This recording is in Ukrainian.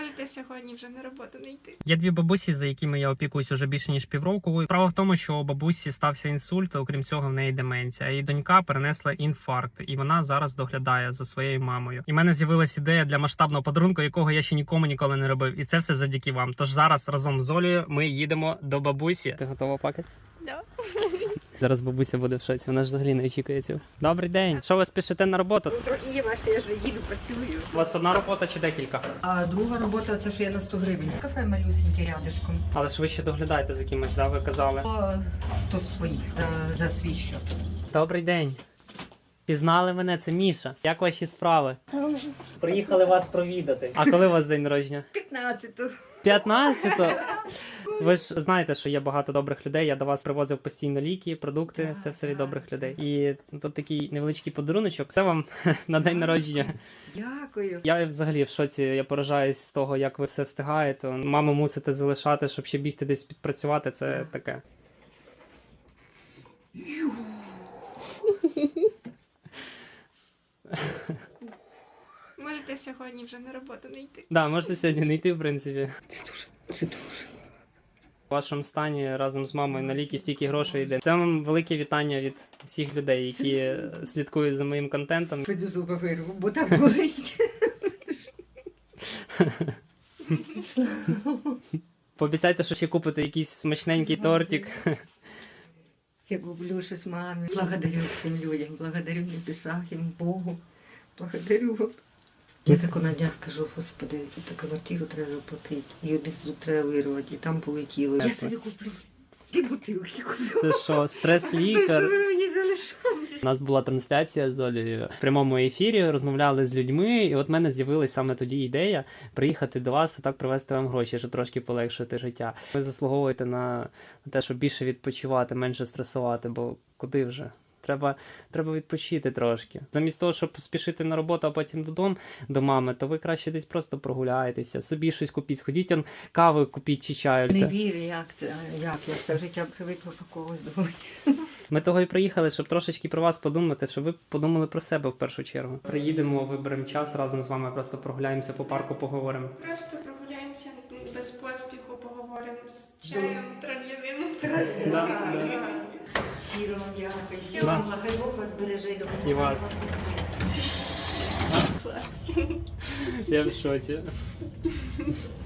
Можете сьогодні вже на роботу не йти. Є дві бабусі, за якими я опікуюсь уже більше ніж півроку. Справа в тому, що у бабусі стався інсульт, окрім цього, в неї деменція. Її донька перенесла інфаркт, і вона зараз доглядає за своєю мамою. І в мене з'явилась ідея для масштабного подарунку, якого я ще нікому ніколи не робив. І це все завдяки вам. Тож зараз разом з Олею ми їдемо до бабусі. Ти готова плакати? Да. Зараз бабуся буде в шоці. Вона ж взагалі не очікує цього. Добрий день. Що ви спішите на роботу? Трохи є Вася, я ж їду, працюю. У вас одна робота чи декілька? А друга робота це що я на 100 гривень. Кафе малюсеньке рядишком. Але ж ви ще доглядаєте за кимось, да? Ви казали. То своїх, за свій счет. Добрий день. Пізнали мене, це Міша. Як ваші справи? Приїхали вас провідати. А коли у вас день народження? 15-ту. 15-го? Ви ж знаєте, що є багато добрих людей. Я до вас привозив постійно ліки, продукти. Це все від добрих людей. І тут такий невеличкий подаруночок. Це вам на день народження. Дякую. Я взагалі в шоці. Я поражаюсь з того, як ви все встигаєте. Маму мусите залишати, щоб ще бігти десь підпрацювати. Це таке. Можете сьогодні вже на роботу не йти. Да, можете сьогодні не йти, в принципі. Це дуже. В вашому стані разом з мамою на ліки стільки грошей йде. Це вам велике вітання від всіх людей, які слідкують за моїм контентом. Піду зуби вирву, бо так болить. Пообіцяйте, що ще купите якийсь смачненький тортик. Я люблю щось мамі. Благодарю всім людям, благодарю небесах, їм Богу. Благодарю вам. Я тако на днях скажу, господи, таку квартиру треба заплатити, і один зуб треба вирвати, і там полетіло. Я собі куплю пів бутилки куплю. Це що, стрес-лікар? Ви мені залишаєте. У нас була трансляція з Олею в прямому ефірі, розмовляли з людьми, і от в мене з'явилась саме тоді ідея приїхати до вас і так привезти вам гроші, щоб трошки полегшити життя. Ви заслуговуєте на те, щоб більше відпочивати, менше стресувати, бо куди вже? Треба відпочити трошки. Замість того, щоб спішити на роботу, а потім додому до мами, то ви краще десь просто прогуляєтеся, собі щось купіть, сходіть, кави купіть чи чаю. Не вірю, як я все життя привикла про когось думати. Ми того і приїхали, щоб трошечки про вас подумати, щоб ви подумали про себе в першу чергу. Приїдемо, виберемо час разом з вами, просто прогуляємося по парку, поговоримо. Просто прогуляємося без поспіху, поговоримо з чаєм трав'яним. Щиро вам дякую. Всього вам блага, хай Бог вас береже і допомагає. І вас. Клас. Я в шоці.